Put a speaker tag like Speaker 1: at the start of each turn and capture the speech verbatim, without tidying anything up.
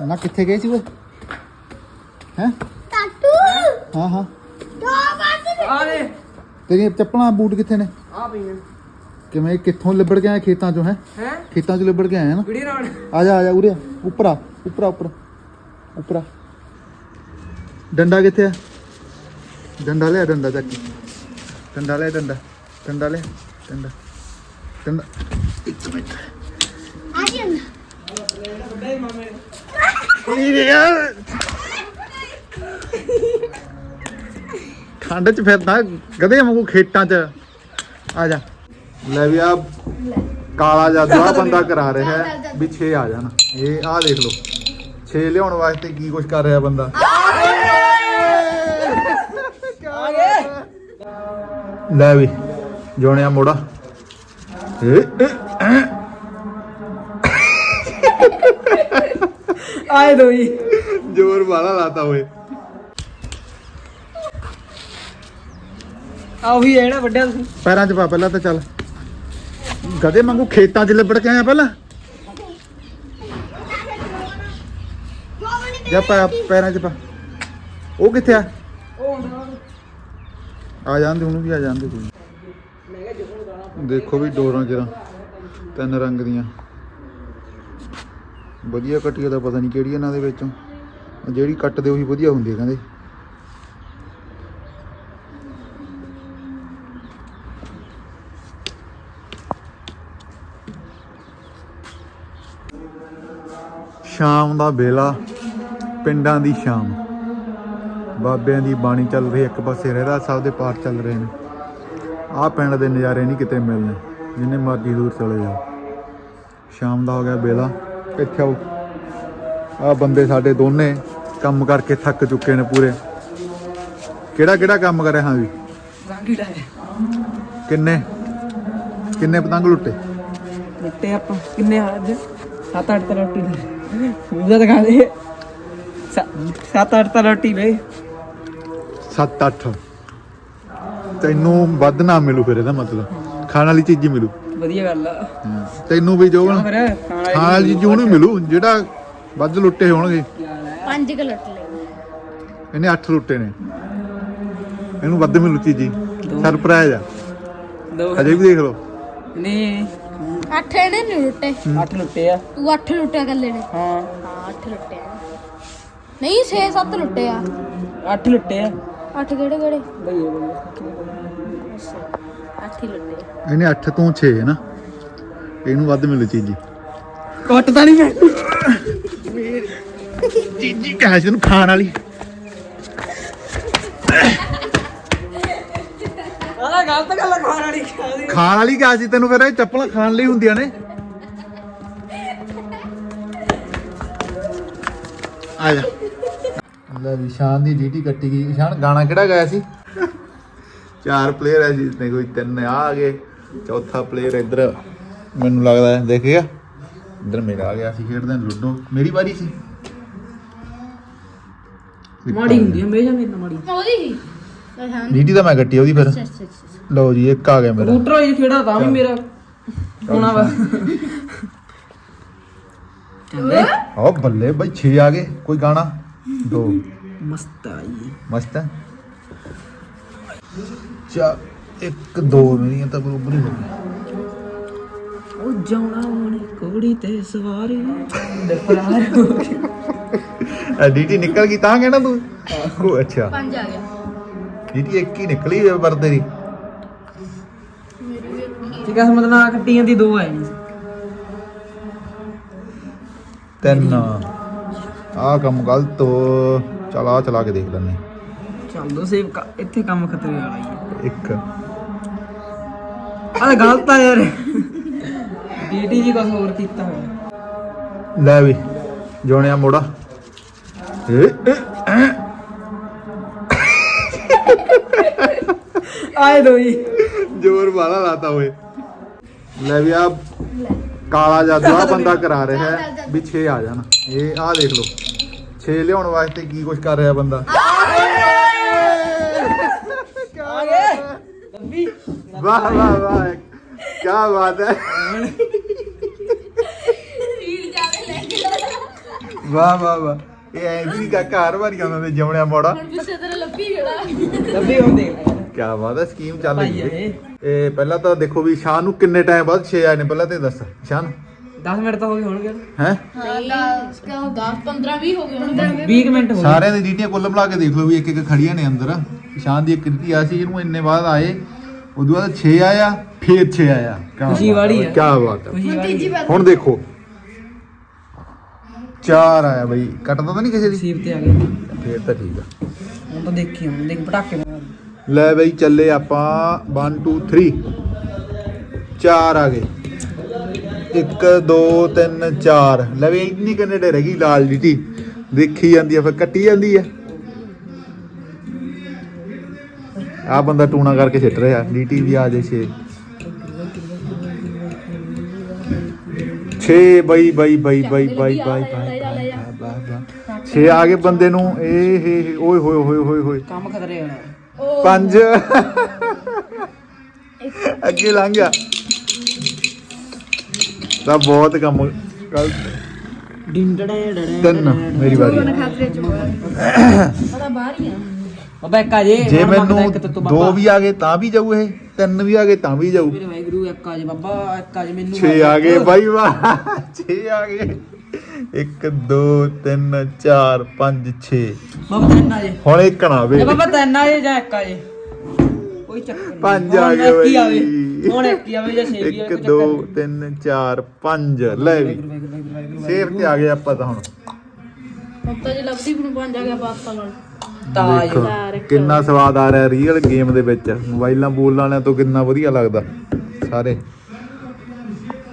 Speaker 1: ਨਾ ਕਿੱਥੇ ਗਏ ਸੀ ਉਹ ਹੈ
Speaker 2: ਟਾਟੂ
Speaker 1: ਹਾਂ ਹਾਂ
Speaker 2: ਦੋ ਬਾਤ
Speaker 3: ਆਰੇ
Speaker 1: ਤੇਰੀਆਂ ਚੱਪਲਾਂ ਬੂਟ ਕਿੱਥੇ ਨੇ
Speaker 3: ਆ ਪਈਆਂ
Speaker 1: ਕਿਵੇਂ ਕਿੱਥੋਂ ਲਿਬੜ ਕੇ ਆਏ ਖੇਤਾਂ ਚੋਂ ਹੈ
Speaker 3: ਹੈ
Speaker 1: ਖੇਤਾਂ ਚੋਂ ਲਿਬੜ ਕੇ ਆਏ ਨਾ
Speaker 3: ਕਿਹੜੀ ਰਾਣ
Speaker 1: ਆ ਜਾ ਆ ਜਾ ਉਰੇ ਆ, ਉੱਪਰ ਆ ਉੱਪਰ ਆ ਉੱਪਰ ਉੱਪਰ ਆ ਡੰਡਾ ਕਿੱਥੇ ਆ ਡੰਡਾ ਲਿਆ ਡੰਡਾ ਚੱਕ ਕੇ। ਡੰਡਾ ਲਿਆ ਡੰਡਾ ਡੰਡਾ ਲਿਆ ਡੰਡਾ ਡੰਡਾ ਇੱਕ ਮਿੰਟ
Speaker 2: ਆ ਗਿਆ ਨਾ
Speaker 3: ਵੱਡੇ ਮਾਮੇ
Speaker 1: ਇਹ ਯਾਰ ਠੰਡ ਚ ਫਿਰਦਾ ਗਧੇ ਵਾਂਗੂ ਖੇਤਾਂ ਚ ਆ ਜਾ ਲੈ ਵੀ ਆ ਕਾਲਾ ਜਾਦੂ ਆ ਬੰਦਾ ਕਰਾ ਰਿਹਾ ਹੈ ਵੀ ਛੇ ਆ ਜਾਣ ਇਹ ਆ ਦੇਖ ਲਓ ਛੇ ਲਿਆਉਣ ਵਾਸਤੇ ਕੀ ਕੁਛ ਕਰ ਰਿਹਾ ਬੰਦਾ
Speaker 3: ਆ ਗਏ
Speaker 1: ਲੈ ਵੀ ਜੋਣਿਆ ਮੋੜਾ ਏ ਏ, ਐ।
Speaker 3: ਆਏ ਦੋਈ
Speaker 1: ਜ਼ੋਰ ਵਾਲਾ ਲਾਤਾ ਓਏ
Speaker 3: ਆ ਉਹੀ ਹੈ ਨਾ ਵੱਡਿਆ ਤੁਸੀਂ
Speaker 1: ਪੈਰਾਂ 'ਚ ਪਾ ਪਹਿਲਾਂ ਤਾਂ ਚੱਲ ਗਧੇ ਵਾਂਗੂ ਖੇਤਾਂ 'ਚ ਲਿਬੜ ਕੇ ਆਇਆ ਪਹਿਲਾਂ ਜਾ ਪਾ ਪੈਰਾਂ 'ਚ ਪਾ ਉਹ ਕਿੱਥੇ ਆ
Speaker 3: ਉਹ ਹੁੰਦਾ
Speaker 1: ਆ ਜਾਂਦੇ ਉਹਨੂੰ ਵੀ ਆ ਜਾਂਦੇ ਕੋਈ
Speaker 3: ਮੈਂ ਕਿਹਾ ਜੁਗਨ ਗਾਣਾ
Speaker 1: ਦੇਖੋ ਵੀ ਡੋਰਾਂ ਕਿਰਾਂ ਤਿੰਨ ਰੰਗ ਦੀਆਂ ਵਧੀਆ ਕੱਟੀਆਂ ਦਾ ਪਤਾ ਨਹੀਂ ਕਿਹੜੀ ਇਹਨਾਂ ਦੇ ਵਿੱਚੋਂ ਜਿਹੜੀ ਕੱਟਦੇ ਉਹੀ ਵਧੀਆ ਹੁੰਦੀ ਹੈ ਕਹਿੰਦੇ ਸ਼ਾਮ ਦਾ ਵੇਲਾ ਪਿੰਡਾਂ ਦੀ ਸ਼ਾਮ ਬਾਬਿਆਂ ਦੀ ਬਾਣੀ ਚੱਲ ਰਹੀ ਇੱਕ ਪਾਸੇ ਰਹਿਰਾ ਸਾਹਿਬ ਦੇ ਪਾਠ ਚੱਲ ਰਹੇ ਨੇ ਆਹ ਪਿੰਡ ਦੇ ਨਜ਼ਾਰੇ ਨਹੀਂ ਕਿਤੇ ਮਿਲਣੇ ਜਿੰਨੇ ਮਰਜ਼ੀ ਦੂਰ ਚਲੇ ਜਾਓ ਸ਼ਾਮ ਦਾ ਹੋ ਗਿਆ ਵੇਲਾ ਇੱਥੇ ਆਓ ਆਹ ਬੰਦੇ ਸਾਡੇ ਦੋਨੇ ਕੰਮ ਕਰਕੇ ਥੱਕ ਚੁੱਕੇ ਨੇ ਪੂਰੇ ਕਿਹੜਾ ਕਿਹੜਾ ਕੰਮ ਕਰਿਆ ਹਾਂ ਵੀ
Speaker 3: ਰਾਂਗੀ ਡਾਏ
Speaker 1: ਕਿੰਨੇ ਕਿੰਨੇ ਪਤੰਗ ਲੁੱਟੇ
Speaker 3: ਲੁੱਟੇ ਆਪਾਂ ਕਿੰਨੇ ਆ ਅੱਜ ਸੱਤ ਅੱਠ ਤਾਂ ਰੋਟੀ ਲੈ ਉਹਦਾ ਦਿਖਾ ਦੇ ਸੱਤ ਅੱਠ ਤਾਂ ਰੋਟੀ ਲੈ
Speaker 1: ਸੱਤ ਅੱਠ ਤੈਨੂੰ ਵੱਧ ਨਾ ਮਿਲੂ ਫਿਰ ਇਹਦਾ ਮਤਲਬ ਖਾਣ ਵਾਲੀ ਚੀਜ਼ ਹੀ ਮਿਲੂ
Speaker 3: ਵਧੀਆ ਗੱਲ ਆ
Speaker 1: ਤੈਨੂੰ ਵੀ ਜੋ
Speaker 3: ਫਿਰ ਖਾਣ
Speaker 1: ਖਾਣ ਵਾਲੀ ਚੀਜ਼ ਉਹਨੂੰ ਮਿਲੂ ਜਿਹੜਾ ਵੱਧ ਲੁੱਟੇ ਹੋਣਗੇ
Speaker 2: ਪੰਜ ਕਿ ਲੁੱਟ ਲਏ
Speaker 1: ਇਹਨੇ ਅੱਠ ਲੁੱਟੇ ਨੇ ਇਹਨੂੰ ਵੱਧ ਮਿਲੂ ਚੀਜ਼ੀ ਸਰਪ੍ਰਾਈਜ਼ ਆ
Speaker 3: ਦੋ
Speaker 1: ਅਜੇ ਵੀ ਦੇਖ ਲਓ
Speaker 3: ਨਹੀਂ
Speaker 2: ਅੱਠ ਇਹਨੇ ਨਹੀਂ ਲੁੱਟੇ
Speaker 3: ਅੱਠ ਲੁੱਟੇ ਆ
Speaker 2: ਤੂੰ ਅੱਠ ਲੁੱਟਿਆ ਕੱਲੇ ਨੇ
Speaker 3: ਹਾਂ
Speaker 2: ਹਾਂ ਅੱਠ ਲੁੱਟੇ ਆ ਨਹੀਂ ਛੇ ਸੱਤ ਲੁੱਟੇ ਆ
Speaker 3: ਅੱਠ ਲੁੱਟੇ ਆ
Speaker 2: ਅੱਠ ਕਿਹੜੇ ਕਿਹੜੇ
Speaker 3: ਬਈਏ ਬਈਏ
Speaker 2: ਅੱਠ ਹੀ ਲੁੱਟੇ ਆ
Speaker 1: ਇਹਨੇ ਅੱਠ ਤੋਂ ਛੇ ਹੈ ਨਾ ਇਹਨੂੰ ਵੱਧ ਮਿਲੂ ਚੀਜ਼ੀ
Speaker 3: ਕੱਟ ਤਾਂ ਨਹੀਂ ਮੈਂ
Speaker 1: ਚੀਜ਼ੀ ਕਹਾਂ ਸੀ ਇਹਨੂੰ ਖਾਣ ਵਾਲੀ
Speaker 3: ਆਹ ਗਲਤ ਗੱਲ ਖਾਣ ਵਾਲੀ ਖਾਦੀ
Speaker 1: ਖਾਣ ਵਾਲੀ ਕਿਹਾ ਸੀ ਤੈਨੂੰ ਫਿਰ ਇਹ ਚੱਪਲਾਂ ਖਾਣ ਲਈ ਹੁੰਦੀਆਂ ਨੇ ਆ ਜਾ ਲੈ ਵੀ ਸ਼ਾਨ ਦੀ ਡੀਟੀ ਕੱਟੀ ਗਈ ਸ਼ਾਨ ਗਾਣਾ ਕਿਹੜਾ ਗਾਇਆ ਸੀ ਚਾਰ ਪਲੇਅਰ ਹੈ ਜਿਸ ਨੇ ਕੋਈ ਤਿੰਨ ਆ ਆ ਗਏ ਚੌਥਾ ਪਲੇਅਰ ਇੱਧਰ ਮੈਨੂੰ ਲੱਗਦਾ ਦੇਖਿਆ ਇੱਧਰ ਮੇਰਾ ਆ ਗਿਆ ਸੀ ਖੇਡਦੇ ਲੁੱਡੋ ਮੇਰੀ ਵਾਰੀ ਸੀ
Speaker 3: ਮਾੜੀ ਹੁੰਦੀ ਹਮੇਸ਼ਾ ਮੇਰੇ ਨਾਲ ਮਾੜੀ
Speaker 2: ਉਹਦੀ ਸੀ ਹਾਂ
Speaker 1: ਡੀਟੀ ਤਾਂ ਮੈਂ ਕੱਟੀ ਉਹਦੀ ਫਿਰ
Speaker 2: ਅੱਛਾ ਅੱਛਾ ਅੱਛਾ
Speaker 1: ਲਓ ਜੀ ਇੱਕ ਆ ਗਿਆ ਮੇਰਾ
Speaker 3: ਰੂਟਰ ਹੋਈ ਖੇੜਾ ਤਾਂ ਵੀ ਮੇਰਾ ਹੋਣਾ ਵਾ ਚੰਦੇ
Speaker 1: ਓ ਬੱਲੇ ਬਈ ਛੇ ਆ ਗਏ ਕੋਈ ਗਾਣਾ ਦੋ
Speaker 3: ਮਸਤ ਆਈ
Speaker 1: ਮਸਤ ਹੈ ਚਾ ਇੱਕ ਦੋ ਮੇਰੀਆਂ ਤਾਂ ਬਰੋਬਰ ਹੀ ਹੋ ਗਈਆਂ
Speaker 3: ਉਹ ਜਾਣਾ ਹੁਣ ਕੋੜੀ ਤੇ ਸਵਾਰੀ ਦਫਰਾਰ ਹੋ ਗਈ
Speaker 1: ਡੀਟੀ ਨਿਕਲ ਗਈ ਤਾਂ ਕਹਿਣਾ ਤੂੰ ਉਹ ਅੱਛਾ
Speaker 2: ਪੰਜ ਆ ਗਿਆ
Speaker 1: ਡੀਟੀ ਇੱਕ ਹੀ ਨਿਕਲੀ ਵਰਦੇ ਦੀ
Speaker 3: ਠੀਕ ਆ ਮਤਲਬ ਨਾ ਕੱਟੀ ਜਾਂਦੀ ਦੋ ਆਏ ਨਹੀਂ
Speaker 1: ਤਿੰਨ ਆਹ ਕੰਮ ਗਲਤ ਹੋ ਚਲ ਆ ਚਲਾ ਕੇ ਦੇਖ ਲੈਂਦੇ
Speaker 3: ਚੱਲ ਦੋ ਸੇਵ ਇੱਥੇ ਕੰਮ ਖਤਰੇ ਵਾਲਾ ਹੀ ਹੈ
Speaker 1: ਇੱਕ
Speaker 3: ਆਹ ਗਲਤ ਆ ਯਾਰ ਡੀਟੀ ਜੀ ਕੁਝ ਹੋਰ ਕੀਤਾ ਹੋਇਆ
Speaker 1: ਲੈ ਵੀ ਜੋਣਿਆ ਮੋੜਾ ਏ ਏ, ਐ।
Speaker 3: ਆਏ ਦੋਈ
Speaker 1: ਜ਼ੋਰ ਵਾਲਾ ਲਾਤਾ ਓਏ ਲੈ ਵੀ ਆ ਕਾਲਾ ਜਾਦੂ ਆ ਬੰਦਾ ਕਰਾ ਰਿਹਾ ਹੈ ਵੀ ਛੇ ਆ ਜਾਣ ਇਹ ਆ ਦੇਖ ਲਓ ਛੇ ਲਿਆਉਣ ਵਾਸਤੇ ਕੀ ਕੁਛ ਕਰ ਰਿਹਾ ਬੰਦਾ
Speaker 3: ਆ ਗਏ ਲੱਭੀ
Speaker 1: ਵਾਹ ਵਾਹ ਵਾਹ ਕੀ ਬਾਤ ਹੈ ਵਾਹ ਵਾਹ ਵਾਹ ਇਹ ਐਂ ਵੀ ਕਾਕਾ ਹਰ ਵਾਰੀ ਆਉਂਦਾ ਤੇ ਜਮਣਿਆ ਮੋੜਾ
Speaker 2: ਹੁਣ ਪਿੱਛੇ ਤੇਰੇ ਲੱਭੀ ਜਿਹੜਾ
Speaker 3: ਲੱਭੀ ਹੁੰਦੇ
Speaker 1: ਕੀ ਬਾਤ ਹੈ ਸਕੀਮ ਚੱਲ
Speaker 3: ਭਾਈ
Speaker 1: ਗਈ
Speaker 3: ਇਹ
Speaker 1: ਇਹ ਪਹਿਲਾਂ ਤਾਂ ਦੇਖੋ ਵੀ ਸ਼ਾਨ ਨੂੰ ਕਿੰਨੇ ਟਾਈਮ ਬਾਅਦ ਛੇ ਆਏ ਨੇ ਪਹਿਲਾਂ ਤੇ ਦੱਸ ਸ਼ਾਨ
Speaker 3: ਦਸ ਮਿੰਟ ਤਾਂ ਹੋ ਗਏ ਹੋਣਗੇ
Speaker 1: ਹੈ
Speaker 2: ਦਸ ਪੰਦਰਾਂ ਵੀਹ ਹੋ ਗਏ ਹੁਣ
Speaker 3: ਵੀਹ ਕੁ ਮਿੰਟ ਹੋ ਗਏ
Speaker 1: ਸਾਰਿਆਂ ਦੀ ਡੀਟੀਆਂ ਕੁੱਲ ਮਿਲਾ ਕੇ ਦੇਖ ਲਓ ਵੀ ਇੱਕ ਇੱਕ ਖੜੀਆਂ ਨੇ ਅੰਦਰ ਸ਼ਾਨ ਦੀ ਇੱਕ ਰੀਤੀ ਆ ਸੀ ਇਹਨੂੰ ਇੰਨੇ ਬਾਅਦ ਆਏ ਉਦੋਂ ਬਾਅਦ ਛੇ ਆਇਆ ਫੇਰ ਛੇ ਆਇਆ ਕਿਆ
Speaker 3: ਖੁਸ਼ੀ
Speaker 1: ਬਾਤ
Speaker 3: ਵਾਲੀ
Speaker 1: ਹੈ,
Speaker 3: ਹੈ।
Speaker 1: ਕਿਆ ਬਾਤ ਹੈ
Speaker 3: ਖੁਸ਼ੀ ਵਾਲੀ
Speaker 1: ਹੁਣ ਦੇਖੋ ਚਾਰ ਆਇਆ ਬਈ ਕੱਟਦਾ ਤਾਂ ਨਹੀਂ ਕਿਸੇ ਦੀ
Speaker 3: ਸੀਪ ਤੇ ਆ ਗਏ
Speaker 1: ਫੇਰ ਤਾਂ ਠੀਕ ਆ
Speaker 3: ਹੁਣ ਤਾਂ ਦੇਖੀ ਹੁਣ ਦੇਖ ਪਟਾਕੇ ਮਾਰ
Speaker 1: ਲੈ ਬਈ ਚੱਲੇ ਆਪਾਂ one two three ਚਾਰ ਆ ਗਏ ਇੱਕ ਦੋ ਤਿੰਨ ਚਾਰ ਲੈ ਵੀ ਇੰਨੀ ਕਿੰਨੇ ਡੇ ਰਹਿ ਗਈ ਲਾਲ ਡੀਟੀ ਦੇਖੀ ਜਾਂਦੀ ਆ ਫਿਰ ਕੱਟੀ ਜਾਂਦੀ ਆ ਆ ਬੰਦਾ ਟੂਣਾ ਕਰਕੇ ਛੱਟ ਰਿਹਾ ਡੀਟੀ ਵੀ ਆ ਜੇ ਛੇ ਛੇ ਬਈ ਬਈ ਬਈ ਬਈ ਬਈ ਬਈ ਛੇ ਆ ਗਏ ਬੰਦੇ ਨੂੰ ਇਹ ਹੇ ਓਏ ਹੋਏ ਹੋਏ ਹੋਏ ਹੋਏ
Speaker 3: ਕੰਮ ਖਤਰੇ ਹੋਣਾ
Speaker 1: ਪੰਜ ਅੱਗੇ ਲੰਘ ਗਿਆ ਤਾਂ ਬਹੁਤ ਕੰਮ ਗਲਤ
Speaker 3: ਡਿੰਡੜੇ ਡੜੇ
Speaker 1: ਤਿੰਨ ਮੇਰੀ ਵਾਰੀ
Speaker 2: ਪਤਾ ਬਾਹਰ ਹੀ ਆ
Speaker 3: ਬਾਬਾ ਇੱਕ ਆ ਜੇ
Speaker 1: ਜੇ
Speaker 3: ਹੁਣ ਮੰਗਦਾ
Speaker 1: ਮੈਨੂੰ
Speaker 3: ਇੱਕ ਤੇ ਤੂੰ
Speaker 1: ਦੋ
Speaker 3: ਬਾਬਾ।
Speaker 1: ਵੀ ਆ ਗਏ ਤਾਂ ਵੀ ਜਾਊ ਇਹ ਤਿੰਨ ਵੀ ਆ ਗਏ ਤਾਂ ਵੀ ਜਾਊ
Speaker 3: ਮੇਰੇ ਵਾਹਿਗੁਰੂ ਇੱਕ ਆ ਜੇ ਬਾਬਾ ਇੱਕ ਆ ਜੇ ਮੈਨੂੰ
Speaker 1: ਛੇ ਆ ਗਏ ਬਾਈ ਵਾਹ ਛੇ ਆ ਗਏ ਇੱਕ ਦੋ ਤਿੰਨ ਚਾਰ ਪੰਜ ਛੇ
Speaker 3: ਬਾਬਾ ਤਿੰਨ ਆ ਜੇ
Speaker 1: ਹੁਣ ਇੱਕ ਨਾ ਵੇ
Speaker 3: ਇਹ ਬਾਬਾ ਤਿੰਨ ਆ ਜੇ ਜਾਂ ਇੱਕ ਆ ਜੇ ਕੋਈ ਚੱਕਰ ਨਹੀਂ
Speaker 1: ਪੰਜ ਆ
Speaker 3: ਹੁਣ
Speaker 1: ਗਏ
Speaker 3: ਇੱਕ ਹੀ
Speaker 1: ਬਈ
Speaker 3: ਆਵੇ ਹੁਣ ਇੱਕ ਹੀ ਆਵੇ ਜਾਂ ਛੇ ਵੀ ਆਵੇ
Speaker 1: ਇੱਕ
Speaker 3: ਕੋਈ
Speaker 1: ਦੋ
Speaker 3: ਚੱਕਰ ਨਹੀਂ
Speaker 1: ਤਿੰਨ ਚਾਰ ਪੰਜ ਲੈ ਵੀ
Speaker 3: ਵਾਹਿਗੁਰੂ ਵਾਹਿਗੁਰੂ ਵਾਹਿਗੁਰੂ
Speaker 1: ਸੇਫ ਤੇ ਆ ਗਏ ਆਪਾਂ ਤਾਂ ਹੁਣ
Speaker 2: ਹੁਣ ਤਾਂ ਜੇ ਲੱਭਦੀ ਮੈਨੂੰ ਪੰਜ ਆ ਗਿਆ ਪਾਸਤਾ ਨਾਲ
Speaker 3: ਤਾਜ
Speaker 1: ਦੇਖੋ ਕਿੰਨਾ ਸਵਾਦ ਆ ਰਿਹਾ ਰੀਅਲ ਗੇਮ ਦੇ ਵਿੱਚ ਮੋਬਾਈਲਾਂ ਬੋਲਣ ਵਾਲਿਆਂ ਤੋਂ ਕਿੰਨਾ ਵਧੀਆ ਲੱਗਦਾ ਸਾਰੇ